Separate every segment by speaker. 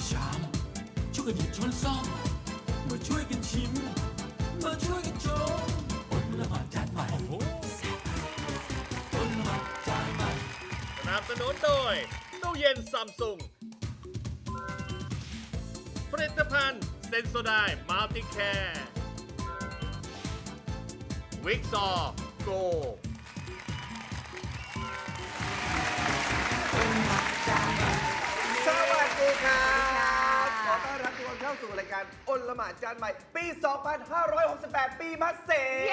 Speaker 1: ชามช่วยกันหยิบช้อนซ่อมมาช่วยกันชิมมาช่วยกันชมอดละหมาดจานใหม่อดละหมาดจานใหม่
Speaker 2: สนับสนุนโดยตู้เย็นซัมซุงผลิตภัณฑ์เซนโซไดมัลติแคร์วิกซอโก
Speaker 3: สวัสดีครับขอต้อนรับทุกคนเข้าสู่รายการอลหม่านจานใหม่ ปี 2568 ปีมะเสง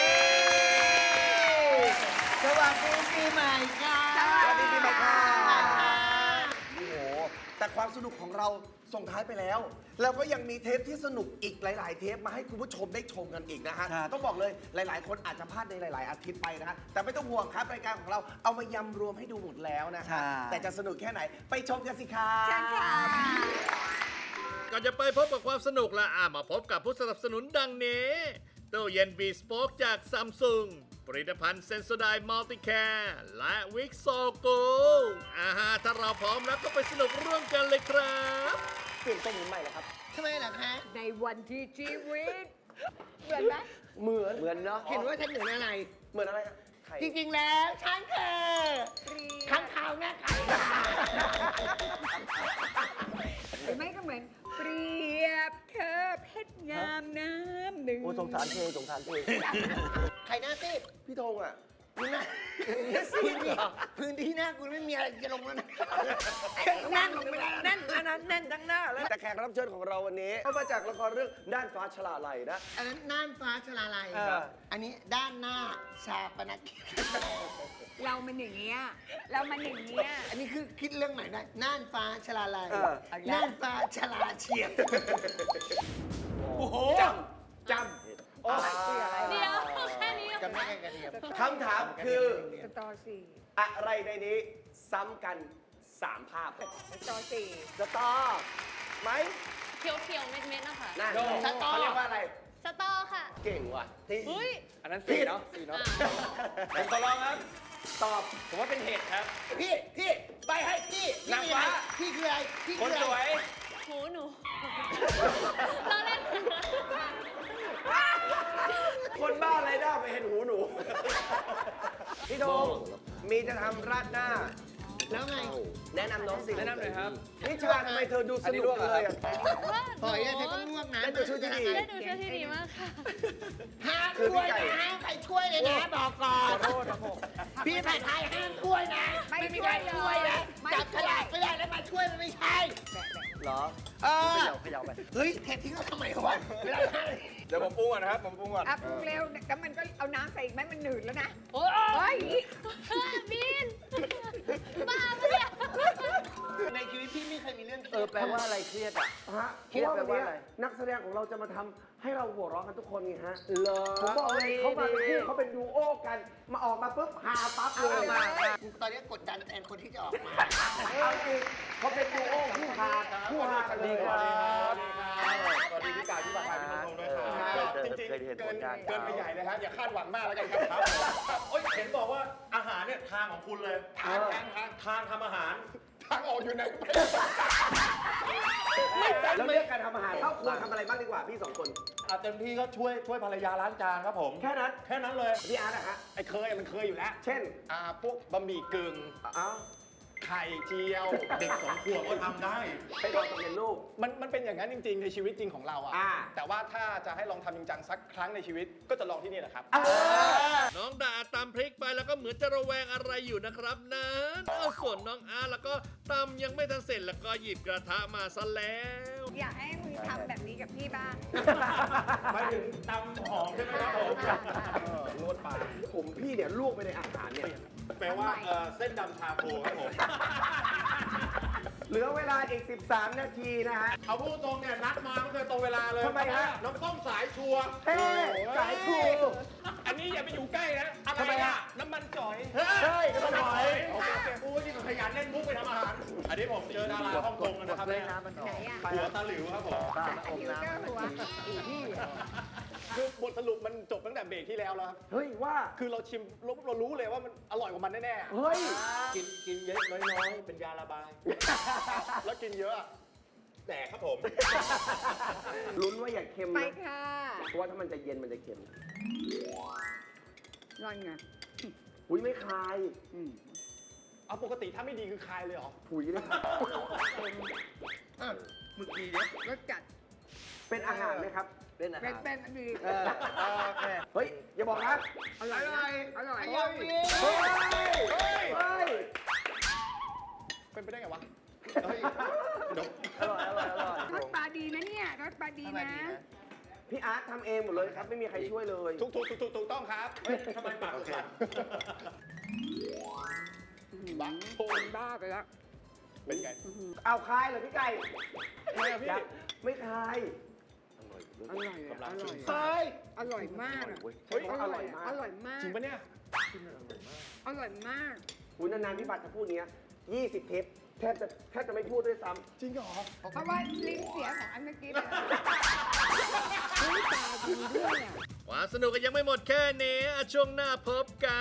Speaker 4: สวัสดีปีใหม่ค่ะ
Speaker 3: สวัสดีปีใหม่ค่ะโอ้โห แต่ความสนุกของเราส่งท้ายไปแล้ว แล้วก็ยังมีเทปที่สนุกอีกหลาย ๆ เทปมาให้คุณผู้ชมได้ชมกันอีกนะฮะ ต้องบอกเลยหลาย ๆ คนอาจจะพลาดในหลาย ๆ อาทิตย์ไปนะฮะ แต่ไม่ต้องห่วงครับรายการของเราเอามายำรวมให้ดูหมดแล้วนะฮะ แต่จะสนุกแค่ไหนไปชมกันสิครับ
Speaker 4: เชิญค่ะ
Speaker 2: ก่อนจะไปพบกับความสนุกละมาพบกับผู้สนับสนุนดังนี้ตู้เย็นบีสโป๊กจากซัมซุงผลิตภัณฑ์เซนโซไดมัลติแคร์และวิกโซโกถ้าเราพร้อมแล้วก็ไปสนุกร่วมกันเลยครับ
Speaker 3: เปลี่ยนต้นนี้ใหม่เลยครับ
Speaker 4: ทำไมล่ะคะ
Speaker 5: ในวันที่ชีวิตเหมือนไหม
Speaker 3: เหมือนเนาะ
Speaker 4: เห็นว่าฉันเหมือนอะไร
Speaker 3: เหมือนอะไรฮะไข่
Speaker 4: จริงๆแล้วฉันคือข้างขาวนะคะ
Speaker 5: หรือไม่ก็เหมือนเปรียบเธอเพชรงามน้ำหนึ่ง
Speaker 3: โอ้สงสารเทสงสารเท
Speaker 4: ใครหน้าซีด
Speaker 3: พี่ธงอ่ะ
Speaker 4: มึงหน้าซีดเหรอพื้นที่หน้ากูไม่มีอะไรจะลงแล้วนะนั่งลงไม่ได้แล้วนั่นอันนั้นแน่นทั้งหน้าแล้ว
Speaker 3: แต่แขกรับเชิญของเราวันนี้ก็มาจากละครเรื่องด้านฟ้าฉลาไหลนะ
Speaker 4: อันนั้นน่านฟ้าชลาลัย
Speaker 3: เออ
Speaker 4: อันนี้ด้านหน้าชาปนกิจ
Speaker 5: เรามันอย่างเงี้ยเรามันอย่างเงี้ย
Speaker 4: อันนี้คือคิดเรื่องใหม่ได้น่านฟ้าชลาลัย
Speaker 3: เออ
Speaker 4: น่านฟ้าชลาเฉียด
Speaker 3: โอ้โหจำโอ้ย
Speaker 5: เดี๋ยวแค่นี้
Speaker 4: จำได้กันกระเทียม
Speaker 3: คำถามคือ
Speaker 5: สตอสี่
Speaker 3: อะไรในนี้ซ้ำกัน 3 ภาพ
Speaker 5: สตอสี่
Speaker 3: สตอไหม
Speaker 6: เขียวๆ เม็ดๆนะคะ
Speaker 3: นั่น
Speaker 4: สตอ
Speaker 3: เขาเรียกว่าอะไร
Speaker 6: สตอค่ะ
Speaker 3: เก่งว่ะที่
Speaker 6: เฮ้ย
Speaker 3: อันนั้นสีเนาะสีเนาะผมขอลองครับ ตอบ ผมว่าเป็นเห็ดครับ
Speaker 4: พี่ไปให้พี่
Speaker 3: นางฟ้า
Speaker 4: พี่คืออะไรพี่
Speaker 3: คน
Speaker 4: คือ
Speaker 3: ส
Speaker 4: อะไร
Speaker 3: วย
Speaker 6: หูหนู เราเล่น
Speaker 3: คนบ้าอะไรได้ไปเห็นหูหนู พี่โดงมีจะทำราดหน้า
Speaker 4: แล้วไง
Speaker 3: แนะนำน้องสิ
Speaker 7: แนะนำหน่อยครับ
Speaker 3: นิชาทำไมเธอดูสนุกเลยอะ
Speaker 4: ปล่อยอะเธอก็ง่วงนะ
Speaker 3: ได้ตัวช่วยที่ดี
Speaker 6: ได้ดูเชื่อที่ดีมากค่ะ
Speaker 4: ห้าม
Speaker 3: คือ
Speaker 4: ช่วย
Speaker 3: พี่ไก่
Speaker 4: นะห้ามใครช่วยเลยนะบอกก่อน
Speaker 3: ขอโทษครับผม
Speaker 4: พี่ผัดไทยห้ามช่วยนะ ไม่มีใครช่วยนะจับฉลากไม่ได้แล้วมาช่วยมันไม่ใช่
Speaker 3: เหรอ
Speaker 4: เออ
Speaker 3: เขย่าไป
Speaker 4: เฮ้ยเททิ้งแล้วทำไมวะเวลาทาน
Speaker 7: เดี๋ยวผมปรุงก่อนนะครับ ผมปรุงก่อน
Speaker 5: อ่ะปรุงเร็วแล้วมันก็เอาน้ำใส่อีกไหมมันหนืดแล้วนะ
Speaker 6: โอ้
Speaker 5: เฮ้ย
Speaker 6: บิน บ้าปะเนี่ย
Speaker 4: ในชีวิตพี่ไม่เคยมีเรื่องเครี
Speaker 3: เอย
Speaker 4: ด
Speaker 3: อแปลว่าอะไรเครียดอ่ะฮะเพราะว่าวันนี้นักแสดงของเราจะมาทำให้เราหัวเราะกันทุกคนไงฮะเหรอผมบอกเลยเขามาเป็นคู่เขาเป็นดูโอกัน มาออกมาปุ๊บฮาปั๊บเลย
Speaker 4: ตอนนี้กดดันแทนคนที่จะออกมา
Speaker 3: เอาจริงเขาเป็นดูโอคู่ฮากันเลย
Speaker 7: สวัสดีพี่กายพี่บาทายพี่ธงด้วยครับจริงๆเกินไปใหญ่เลยครับอย่าคาดหวังมากแล้วกันครับโอ้ยเห็นบอกว่าอาหารเนี่ยทางของคุณเลยทางทำอาหาร ทางออกอยู่ไหน
Speaker 3: แล้วเรื่องการทำอาหารเข้าครัวทำอะไรบ้างดีกว่าพี่สองคน
Speaker 7: เต็มที่ก็ช่วยภรรยาล้างจานครับผม
Speaker 3: แค่นั้น
Speaker 7: แค่นั้นเลย
Speaker 3: พี่อาร์ตนะฮะ
Speaker 7: ไอ้เคยมันเคยอยู่แล้ว
Speaker 3: เช่น
Speaker 7: พวกบะหมี่กึ่ง
Speaker 3: เอ้า
Speaker 7: ไข่เจียว เด็ก2 ขวบก็ทำได้
Speaker 3: ไปลองกับเรียนลูก
Speaker 7: มันเป็นอย่างนั้นจริง ๆ ในชีวิตจริงของเราอะ
Speaker 3: อ่า
Speaker 7: แต่ว่าถ้าจะให้ลองทำจริงจังสักครั้งในชีวิตก็จะลองที่นี่แหละครับ
Speaker 2: น้องดาตำพริกไปแล้วก็เหมือนจะระแวงอะไรอยู่นะครับนั้นส่วนน้องอาร์แล้วก็ตำยังไม่ทันเสร็จแล้วก็หยิบกระทะมาซะแล้ว
Speaker 5: อยากให้มึงทำแบบนี้กับพี่บ้าง
Speaker 7: หมายถึงตำหอมใช่ไหมครับผมนวดปลา
Speaker 3: ผมพี่เนี่ยลวกไปในอาหารเนี่ย
Speaker 7: แปลว่าเส้นดำชาโคครับผม
Speaker 3: เหลือเวลาอีก 13 นาทีนะฮะ
Speaker 7: เอาพูดตรงเนี่ยนัดมาไม่เคยตรงเวลาเลย
Speaker 3: ทำไมฮะ
Speaker 7: น้ำส้มสายชัวร์
Speaker 3: เฮ้สายครู
Speaker 7: อันนี้อย่าไปอยู่ใกล้นะอะไร
Speaker 3: ทำไมอะ
Speaker 7: น้ำมันจ่อย
Speaker 3: เฮ้ยน้ำมันจ่อย
Speaker 7: โอเคโอ้ยนี่ก็ขยันเล่นมุกไปทำอาหาร อันนี้ผมเจอดาราฮ่องกงนะครับเนี่ย
Speaker 5: ไหนอ่ะ
Speaker 7: หัวตาหลิวครับผม
Speaker 5: อันนี้ก็หัวอีพี่
Speaker 7: คือบทสรุปมันจบตั้งแต่เบรกที่แล้วแล้วครับ
Speaker 3: เฮ้ยว่า
Speaker 7: คือเราชิมเรารู้เลยว่ามันอร่อยกว่ามันแน่ๆ
Speaker 3: เฮ้ย
Speaker 7: กินเยอะน้อยๆ เป็นยาระบาย แล้วกินเยอะอะแดกครับผม
Speaker 3: ลุ้นว่าอย่าเค็ม
Speaker 5: ไป
Speaker 3: นะ
Speaker 5: ค่ะ
Speaker 3: เพราะว่าถ้ามันจะเย็นมันจะเค็ม
Speaker 5: ร่อนไง
Speaker 3: อุ้ยไม่คาย
Speaker 5: อืม
Speaker 7: เอาปกติถ้าไม่ดีคือคายเลยเหรอ
Speaker 3: ผุยเลย
Speaker 4: เมื่อกี้เนี่ย
Speaker 5: รสจัด
Speaker 3: เป็นอาหารไหมครับ
Speaker 4: เป็นอาหาร
Speaker 5: เป็นดี
Speaker 4: โอเค
Speaker 3: เฮ้ย อย่าบอกนะ
Speaker 5: อร่อยนะอร่อย
Speaker 3: เฮ้ยเฮ้ย
Speaker 7: เป็นไปได้ไงวะ เฮ้ยเดี๋ยว
Speaker 4: อร่อยอร่อยอร่อย
Speaker 5: รสปลาดีนะเนี่ยรสปลาดีนะ
Speaker 3: พี่อาร์ตทำเองหมดเลยครับ ไม่มีใครช่วยเลย
Speaker 7: ถูกต้องครับ เฮ้ยทำไมปากสั่น
Speaker 5: บ้าบ้าไปแล้ว
Speaker 7: เป็นไง
Speaker 3: เอาคายเหรอพี่ไก่
Speaker 7: ทำไมอะพี่
Speaker 3: ยังไม่คาย
Speaker 5: อร่อยอะอร่อย
Speaker 7: เฮ้ย
Speaker 5: อร่อยมากอะ
Speaker 3: เฮ้ยอร่อยมาก
Speaker 5: อร่อยมาก
Speaker 7: จริงปะเนี่ย
Speaker 5: อร่อยมาก
Speaker 3: คุณนานๆพี่บัตรจะพูดเนี้ย20 เทปแทบจะไม่พูดด้วยซ้ำ
Speaker 7: จริงเหรอ
Speaker 5: เพราะว่าลิ้นเสียของอันเมื่อกี้เลยเฮ้ยตาดีด้วยอะ
Speaker 2: ความสนุกก็ยังไม่หมดแค่นี้อ่ะช่วงหน้าพบกัน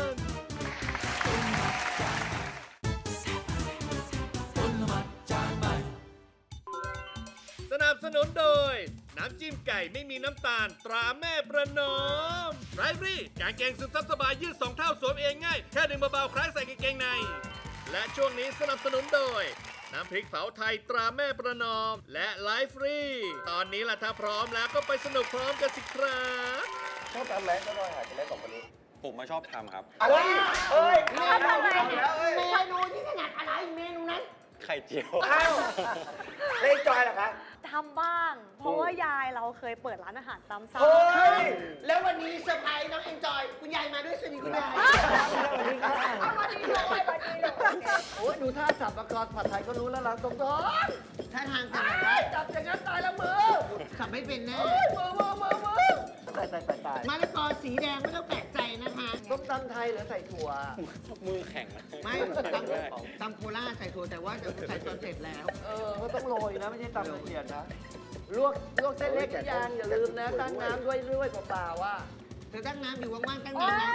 Speaker 2: สนับสนุนโดย น้ำจิ้มไก่ไม่มีน้ำตาลตราแม่ประนอมไรฟรี่กางเกงซึมซับสบายยืด2 เท่าสวมเองง่าย แค่ดึงเบาๆคล้ายใส่กางเกงใน และช่วงนี้สนับสนุนโดย น้ำพริกเผาไทยตราแม่ประนอม และไลฟ์ฟรีตอนนี้ล่ะถ้าพร้อมแล้วก็ไปสนุกพร้อมกันสิครับ
Speaker 3: ชอบทำแรงก็ได้หาจะได้สองคนนี้
Speaker 8: ผมมาชอบทำครับ
Speaker 3: อะไรเอ้ย
Speaker 6: ทำอะไร
Speaker 3: แล้วเอ้ย
Speaker 6: เมนูที่ถนัดอะไรเมนูนั้น
Speaker 8: ไข่เจียว
Speaker 3: อ้าวเล่นจอยเหรอคะ
Speaker 6: ทำบ้าง เพราะว่ายายเราเคยเปิดร้านอาหารตามสั่ง
Speaker 3: เฮ้ย
Speaker 4: แล้ววันนี้เซอร์ไพรส์น้องเอ็นจอย คุณยายมาด้วยสวัสดีคุณยาย
Speaker 5: เอามาดีเลยมาดีเลย
Speaker 4: โอ้ยดูท่าสับประกอบผัดไทยก็รู้แล้วเราตรงท้องท่าทางกันได้จับอย่างนั้นตายแล้วมือขับไม่เป็นแน่มือตายมะละกอสีแดงไม่ต้องแปลกใจนะคะต้มตำไทยหรือใส่ถั่ว
Speaker 8: มือแข็งนะ
Speaker 4: ไม่ตำโคราชใส่ถั่วแต่ว่าจะใส่ตอนเสร็จแล้ว ก็ต้องโรยนะไม่ใช่ตำละเอียดนะ ลวกเส้นเล็กยางอย่าลืมนะตั้งน้ำด้วยเปล่าๆว่าเธอตั้งน้ำอยู่ว่างๆตั้งน้ำนะ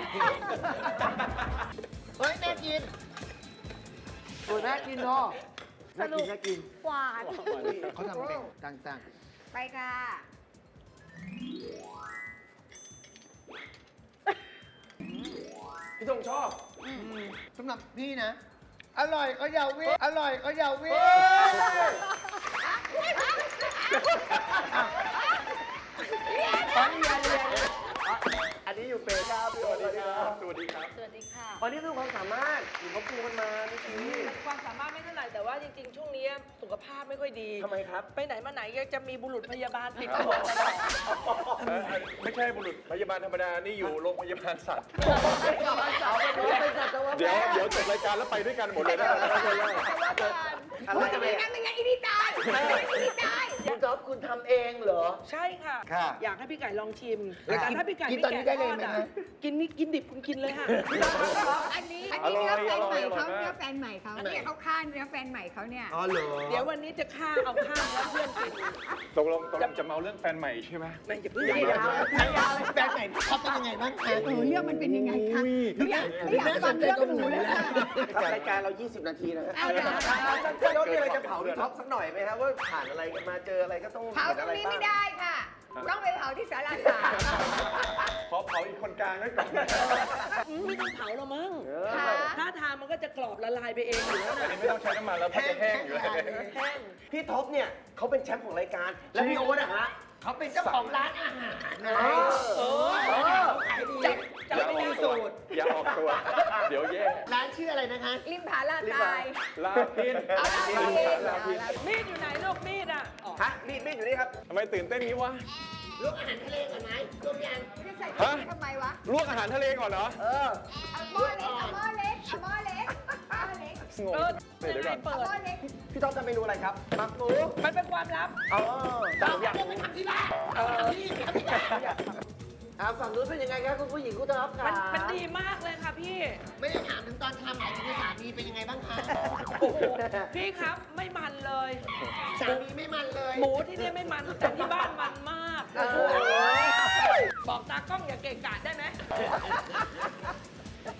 Speaker 4: เฮ้ยน่ากินโอ้น่ากินเนาะน่ากิน
Speaker 6: หวาน
Speaker 4: เขาทำเป็นต่าง
Speaker 5: ไปค่ะ
Speaker 3: พี่ธงชอบ
Speaker 4: ๆสำหรับพี่นะ อร่อยก็อย่าวิ่งอร่อยก็อย่าวิ่ง
Speaker 3: อันนี้อยู่เป็นครับสวัสดีครับ
Speaker 7: สวัสดีครับ
Speaker 6: สวัสดีค่ะ
Speaker 3: วันนี้คือความสามารถหนูเขาปูกันมาเมื่อกี้
Speaker 9: ความสามารถไม่เท่าไหร่แต่ว่าจริงๆ ช่วงนี้สุขภาพไม่ค่อยดี
Speaker 3: ทำไมครับ
Speaker 9: ไปไหนมาไหนก็จะมีบุรุษพยาบาลติดตัวตลอด
Speaker 7: ไม่ใช่บุรุษพยาบาลธรรมดา นี่อยู่โรงพยาบาลสัตว์ เดี๋ยวจบรายการแล้วไปด้วยกันหมดเลยนะ
Speaker 3: อะไรกันเนี่ย
Speaker 5: นั่นเป็นไงอีนี่ตายอีนี่ตาย
Speaker 4: คุณจ๊อบคุณทำเองเหรอ
Speaker 9: ใช่ค่ะ
Speaker 4: ค่ะ
Speaker 9: อยากให้พี่ไก่ลองชิม
Speaker 4: แล้ว
Speaker 9: แต่ถ้าพี่ไก่
Speaker 4: กิน
Speaker 9: ไม่
Speaker 4: ตอนนี้
Speaker 9: แกะ
Speaker 4: ได้
Speaker 9: ท
Speaker 4: เลย
Speaker 9: อด
Speaker 4: ไหม
Speaker 9: อ่ะ
Speaker 4: คะ
Speaker 9: กินนี่กินดิบคุณกินเลยค่ะ
Speaker 5: อันนี้เนื้อแฟนใหม่เขาเนื้อแฟนใหม่เขาเนี่ยเขาฆ่าเนื้อแฟนใหม่เขาเนี่ย
Speaker 4: อ๋อเหรอ
Speaker 9: เดี๋ยววันนี้จะฆ่าเอาข้างแล้วเพื่อนกิน
Speaker 7: ตกลงจะเมาเรื่องแฟนใหม่ใช่ไหม
Speaker 9: ไม่จะเพิ่ง
Speaker 4: แฟนใหม่เขาเป็นยังไงบ้างคะ
Speaker 5: เรื่องมันเป็นยังไงคะไม่อยากฟังเรื่องหนูเลยค่ะ
Speaker 3: รายการเรา 20 นาทีนะครับ
Speaker 5: เอาละ
Speaker 3: พี่ยศมีอะไรจะเผาพี่ท็อปสักหน่อยไหมครับว่าผ่านอะไรกันมาเจออะไรก็ต้อง
Speaker 5: เผาตรงนี้ไม่ได้ค่ะ ต้องไปเผาที่ศาลาสาม
Speaker 7: ขอเผาอีกคนกลางไว้ก่อน
Speaker 9: ไม่ต้องเผาหรอกมั้ง
Speaker 5: ค่ะ
Speaker 9: ถ้าทานมันก็จะกรอบละลายไปเองอยู่แล้ว
Speaker 7: อัน
Speaker 9: นะ
Speaker 7: นี้ไม่ต้องใช้น้ำมันแล้วเพราะจะแห้งอยู่แล้ว
Speaker 9: แห้ง
Speaker 3: พี่ท็อปเนี่ยเขาเป็นแชมป์ของรายการ แล้วพี่โอ๊ตอะฮะ
Speaker 4: เขาเป็นเจ้าของร้านอาหารนะ
Speaker 9: ขายดีจะไม่มีสูตร
Speaker 7: อย่าออกตัว เดี๋ยวแย่
Speaker 4: ร้านชื่ออะไรนะคะ
Speaker 5: ริมผาลาตาย
Speaker 7: ลาพิน
Speaker 5: เอาลาพิน
Speaker 7: ลาพิน
Speaker 9: มีดอยู่ไหนลูกมีดอ่ะอ๋อ
Speaker 3: ฮะมีดอยู่นี่ครับ
Speaker 7: ทำไมตื่นเต้นงี้วะ
Speaker 4: ลวกอาหารทะเลก่อนไหมลวกยัง
Speaker 5: จะใส่ถุงทำไมวะ
Speaker 7: ลวกอาหารทะเลก่อนเหรอ
Speaker 5: เอาหม้อเล็กเอาหม้อเล็กเอาหม้อเล็กหม้อเล็ก
Speaker 7: งง
Speaker 9: เออ
Speaker 7: เดี๋ยวก่อน
Speaker 9: เปิ
Speaker 5: เอา
Speaker 9: ด
Speaker 5: หม้อเล็ก
Speaker 3: พี่ท็อปทำเมนูอะไรครับหมักหมู
Speaker 9: มันเป็นความลับ
Speaker 3: อ๋อแต่ผมอยากรู้
Speaker 4: ฝั่งนู้นเป็นยังไงครับคุณผู้หญิงคุณท็อปค่ะ
Speaker 9: มันดีมากเลยค่ะพี่
Speaker 4: ไม่ได้ถามถึงตอนทำหมายถึงสามีเป็นยังไงบ้างคะ
Speaker 9: โอ้โหพี่ครับไม่มันเลย
Speaker 4: สามีไม่มันเลย
Speaker 9: หมูที่นี่ไม่มันแต่ที่บ้านมันมากบอกตากล้องอย่าเกะกะได้ไหมก็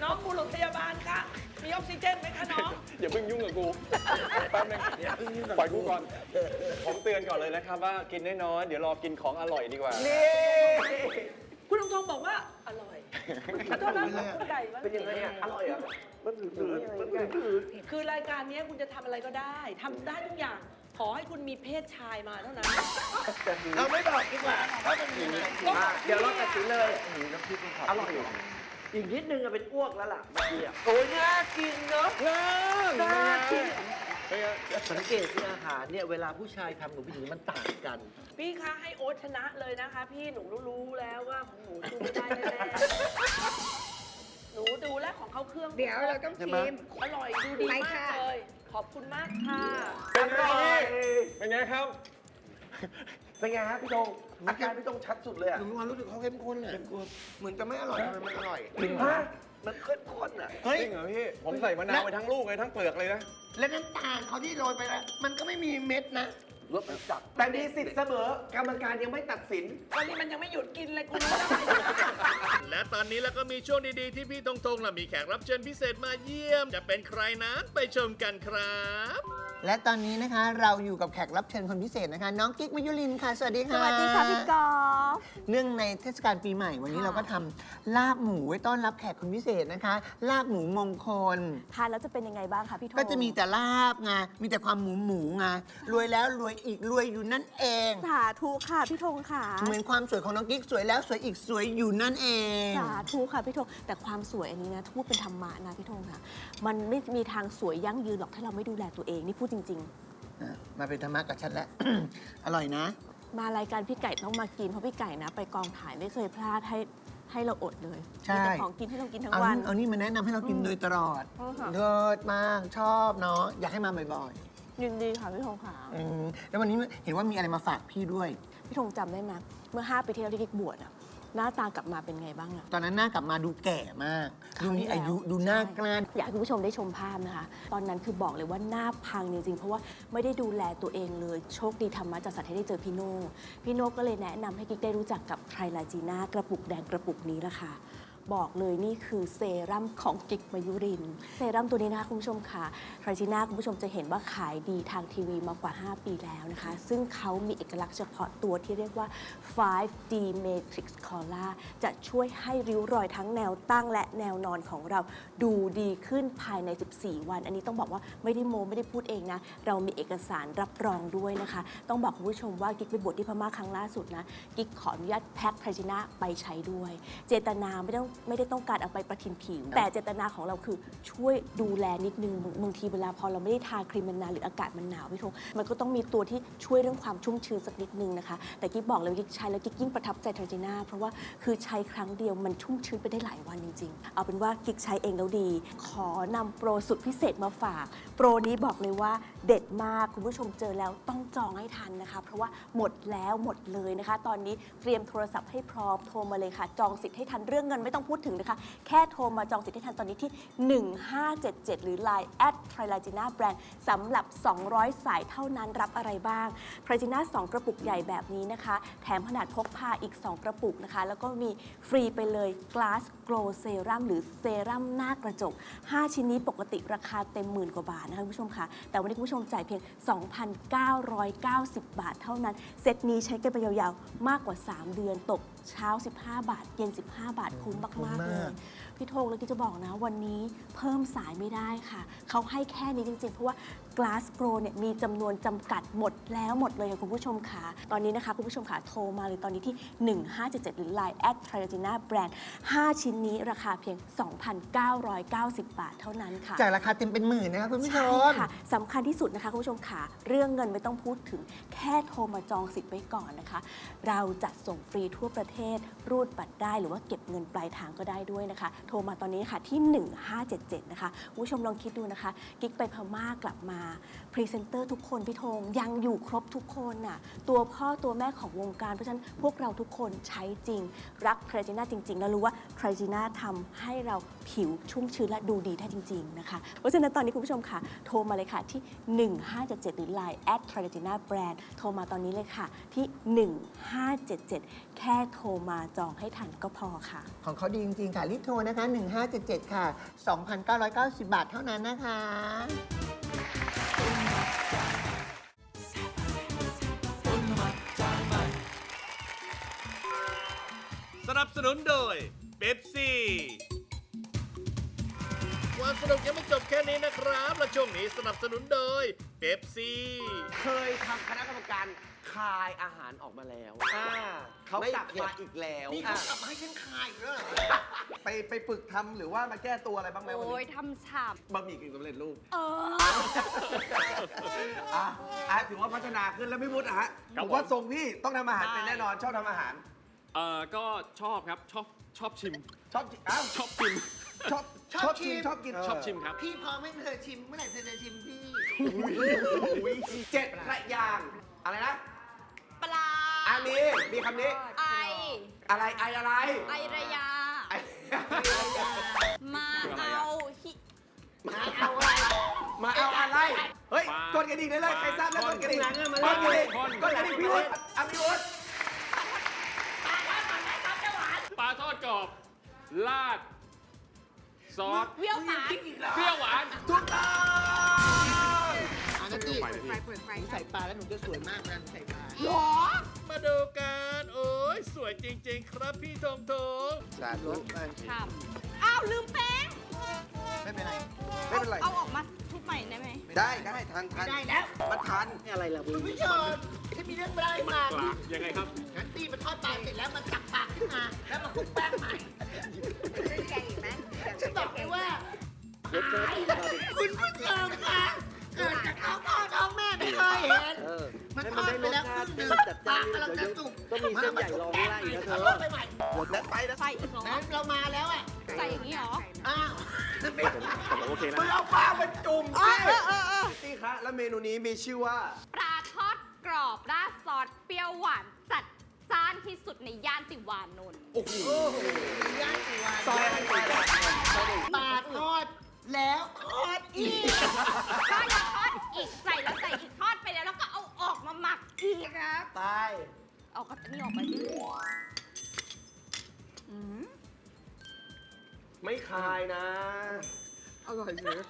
Speaker 9: องบุรุษพยาบาลคะ มีออกซิเจนไหมคะน้อง
Speaker 8: อย่าเพิ่งยุ่งกับกู แป๊บนึงปล่อยกูก่อน ผมเตือนก่อนเลยนะครับว่ากินน้อยๆเดี๋ยวรอกินของอร่อยดีกว่า
Speaker 9: คุณธงบอกว่าอร่อยขอโทษนะคุณไก่ว่า
Speaker 3: เป็นยังไงอ่ะ อร่อยอ่ะ มันถือ
Speaker 9: คือรายการนี้คุณจะทำอะไรก็ได้ทำได้ทุกอย่าง ขอให้คุณมีเพศชายมาเท่านั้น
Speaker 3: เราไม่บอกดีกว่าว่ามันมีอะไรเดี๋ยวเราตัดสินเลยน้ำพริกอร่อยอยู่อีกนิดนึงอะเป็นอ้วกแล้วล่ะเมื่อกี้อะโอ้ยน่ากินเนาะน่ากินสังเกตที่อาหารเนี่ยเวลาผู้ชายทำกับผู้หญิงมันต่างกัน
Speaker 9: พี่คะให้โอ๊ตชนะเลยนะคะ พี่หนูรู้แล้วว่าของหนูสู้ไม่ได้แน่ๆหนูดูแล้วของเขาเครื่อง
Speaker 5: เดี๋ยวเราต้องชิม
Speaker 9: อร่อยดูดี
Speaker 5: ไป
Speaker 9: มาก
Speaker 5: ค่ะ
Speaker 9: เลย ขอบคุณมากค่ะ
Speaker 8: เป็นไงพี่เป็นไงครับ
Speaker 3: เป็นไงฮะพี่ธงอาการพี่ธงชัดสุดเลยอะ
Speaker 4: หนูมีความรู้สึกเขาเข้มข้นเลยเหมือนจะไม่อร่อยทำไมมันอร่อย
Speaker 3: ฮะมันเข้มข้นอะ
Speaker 4: เฮ้ย
Speaker 8: จริงเหรอพี่ ผมใส่มะนาวไปทั้งลูกเลยทั้งเปลือกเลยนะ
Speaker 4: และน้ำตาลเขาที่โรยไปแล้วมันก็ไม่มีเม็ดนะ
Speaker 3: รสมันจัดแต่มีสิทธิ์เสมอกรรมการยังไม่ตัดสิน
Speaker 9: ตอนนี้มันยังไม่หยุดกินเลยกูรู้แล้ว
Speaker 2: และตอนนี้แล้วก็มีช่วงดีๆที่พี่ธงและมีแขกรับเชิญพิเศษมาเยี่ยม จะเป็นใครนั้นไปชมกันครับ
Speaker 4: และตอนนี้นะคะเราอยู่กับแขกรับเชิญคนพิเศษนะคะ น้องกิ๊กมายุรินทร์ค่ะ สวัสดีค่ะ
Speaker 6: สวัสดีค่ะพี่กอล์ฟ
Speaker 4: เนื่องในเทศกาลปีใหม่วันนี้เราก็ทำลาบหมูไว้ต้อนรับแขกคนพิเศษนะคะ ลาบหมูมงคล
Speaker 6: ทานแล้วจะเป็นยังไงบ้างคะพี่โท
Speaker 4: ก็จะมีแต่ลาบไงมีแต่ความหมูไงรวยแล้วรวยอีกรวยอยู่นั่นเอง
Speaker 6: สาธุค่ะพี่ธงค่ะ
Speaker 4: เหมือนความสวยของน้องกิ๊กสวยแล้วสวยอีกสวยอยู่นั่นเอง
Speaker 6: สาธุค่ะพี่ธงแต่ความสวยอันนี้นะถ้าพูดเป็นธรรมะนะพี่ธงค่ะ มันไม่มีทางสวยยั่งยืนหรอกถ้าเราไม่ดูแลตัวเองนี่พูดจริง
Speaker 4: มาเป็นธรรมะกับฉันแล้ว อร่อยนะ
Speaker 6: ๆ มารายการพี่ไก่ต้องมากินเพราะพี่ไก่นะ ไปกองถ่ายไม่เคยพลาดให้เราอดเลย
Speaker 4: ใช่
Speaker 6: มีแต่ของกินให้เรากินทั้ง
Speaker 4: เอา
Speaker 6: วัน
Speaker 4: เอานี่มาแนะนำให้เรากินโดยตลอด
Speaker 6: ค่ะ
Speaker 4: เลิศมากชอบเนาะอยากให้มาบ่อย
Speaker 6: ยินดีค่ะพี่ธงค่ะ
Speaker 4: ๆแล้ววันนี้เห็นว่ามีอะไรมาฝากพี่ด้วย
Speaker 6: พี่ธงจำได้ไหมเมื่อ5 ปีที่แล้วที่กิ๊กบวชอะหน้าตากลับมาเป็นไงบ้างอะ
Speaker 4: ตอนนั้นหน้ากลับมาดูแก่มาก ดูมีอายุดูหน้ากล้าน
Speaker 6: อยากให้คุณผู้ชมได้ชมภาพนะคะ ตอนนั้นคือบอกเลยว่าหน้าพังจริงๆ เพราะว่าไม่ได้ดูแลตัวเองเลย โชคดีธรรมะจัดสรรให้ได้เจอพี่โน่พี่โน่ก็เลยแนะนำให้กิ๊กได้รู้จักกับไทรลาจีน่ากระปุกแดงกระปุกนี้ละค่ะ บอกเลยนี่คือเซรั่มของกิ๊กมายุรินทร์เซรั่มตัวนี้นะคะคุณผู้ชมค่ะไทรจีน่าคุณผู้ชมจะเห็นว่าขายดีทางทีวีมากว่า 5 ปีแล้วนะคะ ซึ่งเขามีเอกลักษณ์เฉพาะตัวที่เรียกว่า 5D Matrix Color จะช่วยให้ริ้วรอยทั้งแนวตั้งและแนวนอนของเราดูดีขึ้นภายใน 14 วัน อันนี้ต้องบอกว่าไม่ได้โมไม่ได้พูดเองนะ เรามีเอกสารรับรองด้วยนะคะ ต้องบอกคุณผู้ชมว่ากิ๊กไปบวชที่พม่าครั้งล่าสุดนะกิ๊กขออนุญาตแพ็คไทรจีน่าไปใช้ด้วย เจตนาไม่ได้ต้องการเอาไปประทินผิว แต่เจตนาของเราคือช่วยดูแลนิดนึงบางทีเวลาพอเราไม่ได้ทาครีมมันนานหรืออากาศมันหนาวพี่ธงมันก็ต้องมีตัวที่ช่วยเรื่องความชุ่มชื้นสักนิดนึงนะคะแต่กิ๊กบอกเลยว่ากิ๊กใช้แล้วกิ๊กยิ่งประทับใจไทรจีน่าเพราะว่าคือใช้ครั้งเดียวมันชุ่มชื้นไปได้หลายวันจริงๆเอาเป็นว่ากิ๊กใช้เองแล้วดี ขอนำโปรสุดพิเศษมาฝากโปรนี้บอกเลยว่าเด็ดมากคุณผู้ชมเจอแล้วต้องจองให้ทันนะคะเพราะว่าหมดแล้วหมดเลยนะคะ ตอนนี้เตรียมโทรศัพท์ให้พร้อมโทรมาเลยค่ะจองสิทธิ์ให้ทันเรื่องเงินไม่ต้องพูดถึงนะคะแค่โทรมาจองสิทธิ์ให้ทันตอนนี้ที่ 1577 หรือ Line @Trilagina Brand สำหรับ 200 สายเท่านั้นรับอะไรบ้าง Trilagina 2 กระปุกใหญ่แบบนี้นะคะ แถมขนาดพกพาอีก 2 กระปุกนะคะ แล้วก็มีฟรีไปเลย Glass Glow Serum หรือเซรั่มหน้ากระจก 5 ชิ้นนี้ปกติราคาเต็มหมื่นกว่าบาทนะคะคุณผู้ชมค่ะ แต่วันนี้คุณผู้ชมจ่ายเพียง 2,990 บาทเท่านั้น เซตนี้ใช้กันไปยาวๆ มากกว่า 3 เดือนตกเช้า 15 บาท เย็น 15 บาทคุ้มมากๆเลย พี่ธงแล้วที่จะบอกนะวันนี้เพิ่มสายไม่ได้ค่ะ เขาให้แค่นี้จริงๆ เพราะว่า Glass Pro เนี่ยมีจำนวนจำกัดหมดแล้วหมดเลยค่ะคุณผู้ชมค่ะตอนนี้นะคะคุณผู้ชมค่ะโทรมาเลยตอนนี้ที่ 1577 หรือ Line @Trilagina Brand 5 ชิ้นนี้ราคาเพียง 2,990 บาทเท่านั้นค่ะ
Speaker 4: จากราคาเต็มเป็นหมื่นนะคะคุณผู้ช
Speaker 6: ใช่
Speaker 4: ม
Speaker 6: ค่ะสำคัญที่สุดนะคะคุณผู้ชมค่ะเรื่องเงินไม่ต้องพูดถึงแค่โทรมาจองสิทธิ์ไว้ก่อนนะคะ เราจะส่งฟรีทั่วประเทศรูดบัตรได้หรือว่าเก็บเงินปลายทางก็ได้ด้วยนะคะ โทรมาตอนนี้ค่ะที่ 1577 นะคะคุณผู้ชมลองคิดดูนะคะกิ๊กไปพม่ากลับมาพรีเซนเตอร์ทุกคนพี่ธงยังอยู่ครบทุกคนน่ะตัวพ่อตัวแม่ของวงการเพราะฉะนั้นพวกเราทุกคนใช้จริงรักไทรจีน่าจริงๆแล้วรู้ว่าไทรจีน่าทำให้เราผิวชุ่มชื้นและดูดีได้จริงๆนะคะเพราะฉะนั้นตอนนี้คุณผู้ชมค่ะโทรมาเลยค่ะที่1577หรือ Line @Tridegina Brand โทรมาตอนนี้เลยค่ะที่1577แค่โทรมาจองให้ทันก็พอค่ะ
Speaker 4: ของเขาดีจริง ๆ ค่ะ รีบโทรนะคะ 1577 ค่ะ 2,990 บาทเท่านั้นนะคะ
Speaker 2: สนับสนุนโดยเป๊ปซี่ความสนุกยังไม่จบแค่นี้นะครับและช่วงนี้สนับสนุนโดยเป๊ปซี่
Speaker 3: เคยทำคณะกรรมการคายอาหารออกมาแล้วเขากลับมาอีกแล้ว
Speaker 4: นี่เขากลับมาให้ฉันคายอีกแล้วเหรอ
Speaker 3: ไปฝึกทำหรือว่ามาแก้ตัวอะไรบ้างไหมวัน
Speaker 5: โอ้ย
Speaker 3: นี้
Speaker 5: ทำฉ่
Speaker 3: บะหมี่กึ่งสำเร็จรูป
Speaker 5: ำเออ
Speaker 3: ถือว่าพัฒนาขึ้นแล้วพี่วุฒิอะฮะผมว่าทรงพี่ต้องทำอาหารเป็นแน่นอนชอบทำอาหาร
Speaker 8: ก็ชอบครับ ชอบชิม
Speaker 3: ชอบอ้าว
Speaker 8: ชอบกิน
Speaker 3: ชอบชิมชอบกิน
Speaker 8: ชอบชิมครับ
Speaker 4: พี่พร้อมให้เธอชิม เมื่อไหร่เธอจะชิมพี่
Speaker 3: เจ็ดพระยางค์อะไรนะ
Speaker 5: ปลา
Speaker 3: อันนี้มีคำนี้
Speaker 5: ไอ
Speaker 3: อะไรไออะไร
Speaker 5: ไอระยา
Speaker 3: ไอ
Speaker 5: มาเอาฮิ
Speaker 4: มาเอาอะไร
Speaker 3: มาเอาอะไร เฮ้ย
Speaker 8: ปลาก
Speaker 3: ดกระดิ่งได้เลยใครทราบแล้ว
Speaker 8: ท่
Speaker 3: ก
Speaker 8: อน
Speaker 3: ดกระดิ่ง
Speaker 4: ท่อน
Speaker 3: กดกระดิ่ง
Speaker 8: ท่อน
Speaker 3: กดกระดิ่งพี่วุฒิอ่ะพี่วุฒิ
Speaker 8: ปลาทอดกรอบลาด ซอส
Speaker 5: เปรี้ยวหวาน
Speaker 8: เปรี้ยวหวาน
Speaker 3: ถูกต้อง
Speaker 4: อันนั้นพี่
Speaker 8: เปิดไฟ
Speaker 5: เปิดไฟ
Speaker 4: หนูใส่ปลาแล้วหนูจะสวยมากนะหนูใส่ปลา
Speaker 5: หรอ
Speaker 2: มาดูกันโอ้ยสวยจริง ๆ ครับพี่ทงทง
Speaker 3: สาธุ
Speaker 5: ทำอ้าว ลืมแป้ง
Speaker 3: ไม่เป็นไร ไม่เป็นไร
Speaker 5: เอาออกมาทุบใหม่ได้ไหม
Speaker 3: ได้ทัน
Speaker 4: ได้แล้ว
Speaker 3: มันทัน
Speaker 4: อะไรล่ะคุณผู้ชมฉันมีเรื่องเล่าให้ฟัง
Speaker 8: ยังไงครับ
Speaker 4: งั้นตีมันทอดปลาเสร็จแล้วมันจับปากขึ้นมา แล้วมันคลุกแป้งใหม่
Speaker 5: แกงอีกไหม
Speaker 4: ฉันบอกเลยว่าคุณผู้ชมคะเกิดจากท้องพ่อท้องแม่ไม่เคยเห็น มันทอดไปแล้วครึ่งหนึ่งปลากำลังจะสุกก็มีเส้นใหญ่รองข้างล่างอีกนะเธอไปใหม่
Speaker 3: แล้วไปนะ
Speaker 5: ใส่อีกเหรอ
Speaker 4: นั้นเรามาแล้วอ่ะ
Speaker 5: ใส่อย่างนี้เหรอ
Speaker 4: อ้าว
Speaker 8: ผมโอเคนะ
Speaker 3: มึงเอาปลามาจุ่ม
Speaker 5: เอ
Speaker 3: สิ
Speaker 5: อ
Speaker 3: นี่คะแล้วเมนูนี้มีชื่อว่า
Speaker 5: ปลาทอดกรอบราดซอสเปรี้ยวหวานจัดจ้านที่สุดในย่านติวานนท์
Speaker 3: โอ้โห
Speaker 4: ย่างสีวาน
Speaker 3: ซอยอะไรไปแล้ว
Speaker 4: ปลาทอดแล้วทอดอีก
Speaker 5: ก็ยังทอดอีกใส่แล้วใส่อีกทอดไปแล้วแล้วก็เอาออกมาหมักอีกครับ
Speaker 3: ตาย
Speaker 5: เอาอันนี้ออกไปดิอืม
Speaker 3: ไม่คายนะ
Speaker 4: อร่อยเลย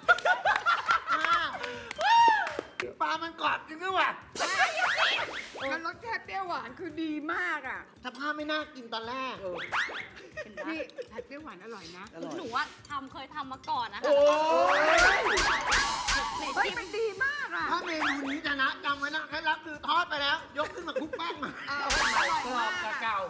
Speaker 4: ปลามันกรอบจริงด้วยว่ะ
Speaker 5: มันรสชาติเปรี้ยวหวานคือดีมากอ่ะ
Speaker 4: สภาพไม่น่ากินตอนแรก
Speaker 5: พี่ผัดเปรี้ยวหวานอร่อยนะ หนูว่าเคยทำมาก่อนนะคะ
Speaker 3: โอ้ย
Speaker 5: เฮ้ยมันดีมากอ่ะ
Speaker 4: ถ้าเมนูนี้จะนะจำไว้นะเคล็ดลับคือทอดไปแล้ว ยกขึ้นมาคลุกแป้งมา
Speaker 5: อร่อยมาก
Speaker 3: เก่า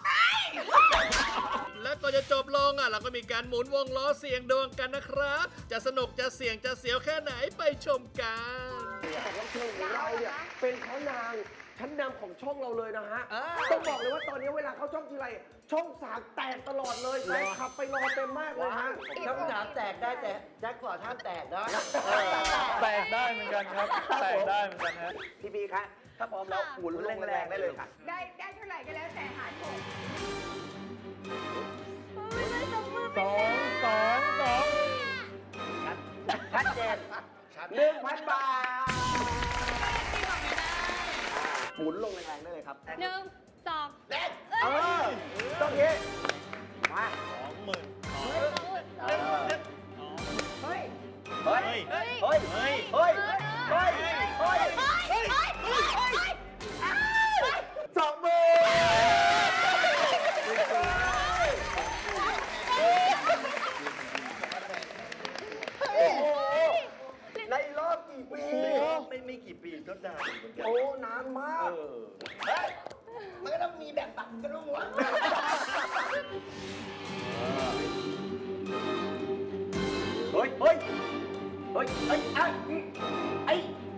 Speaker 2: และก่อนจะจบลงเราก็มีการหมุนวงล้อเสียงดวงกันนะครับ จะสนุกจะเสี่ยงจะเสียวแค่ไหนไปชมกัน
Speaker 3: แต่ว่าเชิงของเราเนี่ยเป็นเขานางชั้นนำของช่องเราเลยนะฮะ ต้องบอกเลยว่าตอนนี้เวลาเขาช่องทีไรช่องสามแตกตลอดเลยแฟนคลับไปรอเต็มมากเลยฮะ
Speaker 4: ช่องสามแตกได้แต่แจ็คพอตห้ามแตกนะ
Speaker 8: แตกได้เหมือนกันครับ แตกได้เหมือนกันฮะ
Speaker 3: พี่บีคะถ้าพร้อมแล้วหมุนลงแรงๆได้เลยค่ะ
Speaker 5: ได้เท่าไหร่ก็แล้วแต่หารผม
Speaker 3: ชัดเจน1,000 บาท หมุนลงแรงๆได้เลยครับ
Speaker 5: 1 2
Speaker 3: เออต้องนี้มา
Speaker 5: เฮ้ย
Speaker 3: เฮ้ย เฮ้ย เฮ้ย เฮ้ย เฮ้ย เฮ้ย เฮ้ย 20,000 โอ้โห ในรอบกี่ปี
Speaker 7: ไม่กี่ปีก็นานเหมือนกัน
Speaker 3: โอ้ นานมาก เฮ้ย
Speaker 4: มันก็ต้องมีแบบปักกระดุมหัว
Speaker 3: เฮ้ย เฮ้ย เฮ้ย เฮ้ย ไอ้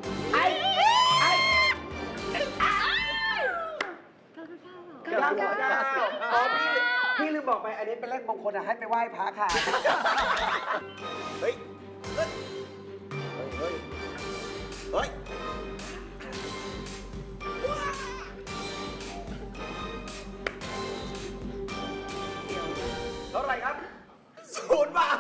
Speaker 3: อ๋อพี่ลืมบอกไป อันนี้เป็นเลขมงคลให้ไปไหว้พระค่ะ เฮ้ย เฮ้ย เฮ้ยเฮ้ย เท่าไหร่ครับ0 บาท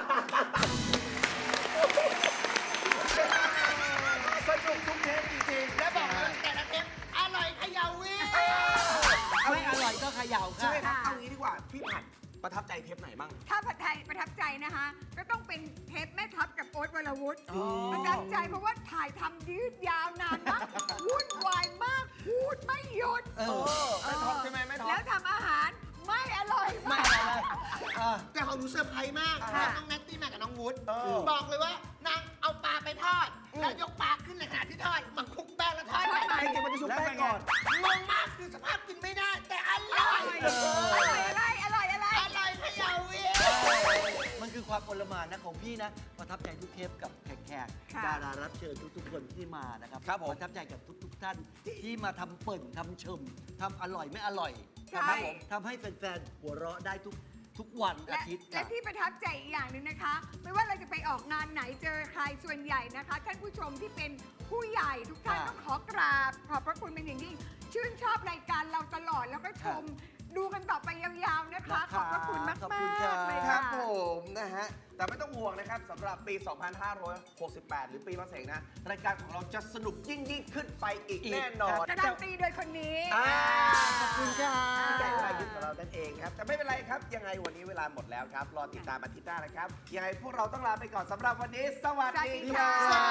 Speaker 3: สนุกทุกเทปจริงๆ และบอกเลยแต่ละเทปอร่อยเขย่าวิไม่อร่อยก็เขย่าค่ะใช่ไหมครับ เอางี้ดีกว่า พี่ผัดประทับใจเทปไหนบ้าง
Speaker 5: ถ้าผัดไทยประทับใจนะคะ ก็ต้องเป็นเทปแม่ทัพกับโอ๊ตวรวุฒิประทับใจเพราะว่าถ่ายทำยืดยาวนานมากวุ่นวายมากพูดไม่หยุด
Speaker 3: แม่ท็อปใช่ไหมแม่ท็อป
Speaker 5: แล้วทำอาหารไม่อร่อยมาก
Speaker 4: แต่ของหนูเซอร์ไพรส์มากน้องนัตตี้มากับน้องวุฒิบอกเลยว่านางเอาปลาไปทอด แล้วยกปลาขึ้นในขณะที่ทอดมันคลุกแป้งแล้วทอดไป
Speaker 3: จริงๆมันจะชุบแป้งก่อน
Speaker 4: งงมากคือสภาพกินไม่ได้ แต่อร่อย
Speaker 5: อร่อย
Speaker 4: อร่อยเขย่าวิ
Speaker 10: มันคือความโอลหม่านนะของพี่นะ ประทับใจทุกเทปกับแขกๆดารารับเชิญทุกๆคนที่มานะครับ
Speaker 3: ครับผม
Speaker 10: ประทับใจกับทุกๆท่านที่มาทำเปิ่นทำชมทำอร่อยไม่อร่อย
Speaker 5: ใช่
Speaker 10: นะครับผมทำให้แฟนๆหัวเราะได้ทุกวันอาทิตย์
Speaker 5: และที่ประทับใจอีกอย่างหนึ่งนะคะ ไม่ว่าเราจะไปออกงานไหนเจอใครส่วนใหญ่นะคะ ท่านผู้ชมที่เป็นผู้ใหญ่ทุกท่านต้องขอกราบขอบพระคุณเป็นอย่างยิ่งชื่นชอบรายการเราตลอดแล้วก็ชมดูกันต่อไปยาวๆนะคะ ขอบพระคุณมาก
Speaker 10: ขอบคุณครั
Speaker 5: ๆ
Speaker 10: บ
Speaker 5: เลย
Speaker 3: ครั
Speaker 5: ค่ะ
Speaker 3: บผมนะฮะ แต่ไม่ต้องห่วงนะครับสำหรับปี 2568 หรือปีมะเสงนะ รายการของเราจะสนุกยิ่งขึ้นไปอีกแน่นอน
Speaker 5: การันตีโดยคนนี้
Speaker 3: ขอบคุณค่ะพี่ไก่วรายุทธ์ของเรานั่นเองครับ แต่ไม่เป็นไรครับ ยังไงวันนี้เวลาหมดแล้วครับ รอติดตามอาทิตย์หน้านะครับ ยังไงพวกเราต้องลาไปก่อนสำหรับวันนี้ สวัสดีค่ะ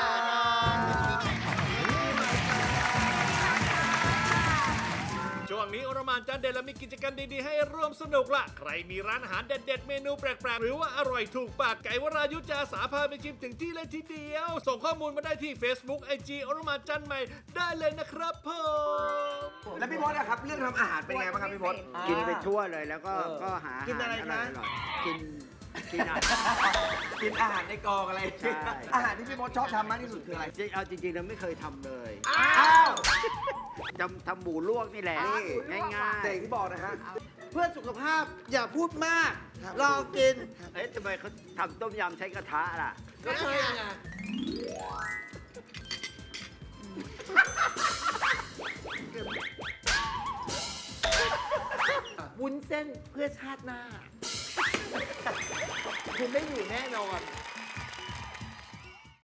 Speaker 2: ช่วงนี้อรหม่านจานเด็ดและมีกิจกรรมดีๆให้ร่วมสนุกละใครมีร้านอาหารเด็ดๆเมนูแปลกๆ หรือว่าอร่อยถูกปากไก่วรายุทธ์จะอาสาพาไปชิมถึงที่เลยทีเดียว ส่งข้อมูลมาได้ที่ Facebook IG อรหม่านจานใหม่ได้เลยนะครับผม
Speaker 3: แล้วพี่พศนะครับ เรื่องทำอาหารเป็นไงบ้างครับพี่พศ
Speaker 11: กินไปทั่วเลยแล้วก็หา
Speaker 3: กินอะไรคะ
Speaker 11: ร่อยๆกินอาหาร
Speaker 3: กินอาหารในกองอะไร
Speaker 11: ใช่
Speaker 3: อาหารที่พี่พศชอบทำมากที่สุดคืออะไร
Speaker 11: เอาจริงๆเราไม่เคยทำเลย
Speaker 3: อ้าว
Speaker 11: ทำหมูลวกนี่แหละ ง่าย
Speaker 3: แต่อย่างที่บอกนะฮะ
Speaker 4: เพื่อสุขภาพอย่าพูดมาก ลองกิน
Speaker 11: ๆ เอ๊ะทำไมเขาทำต้มยำใช้กระทะล่ะ
Speaker 4: ก็ใช่ไงวุ้นเส้นเพื่อชาติหน้า คุณไม่อยู่แน่นอน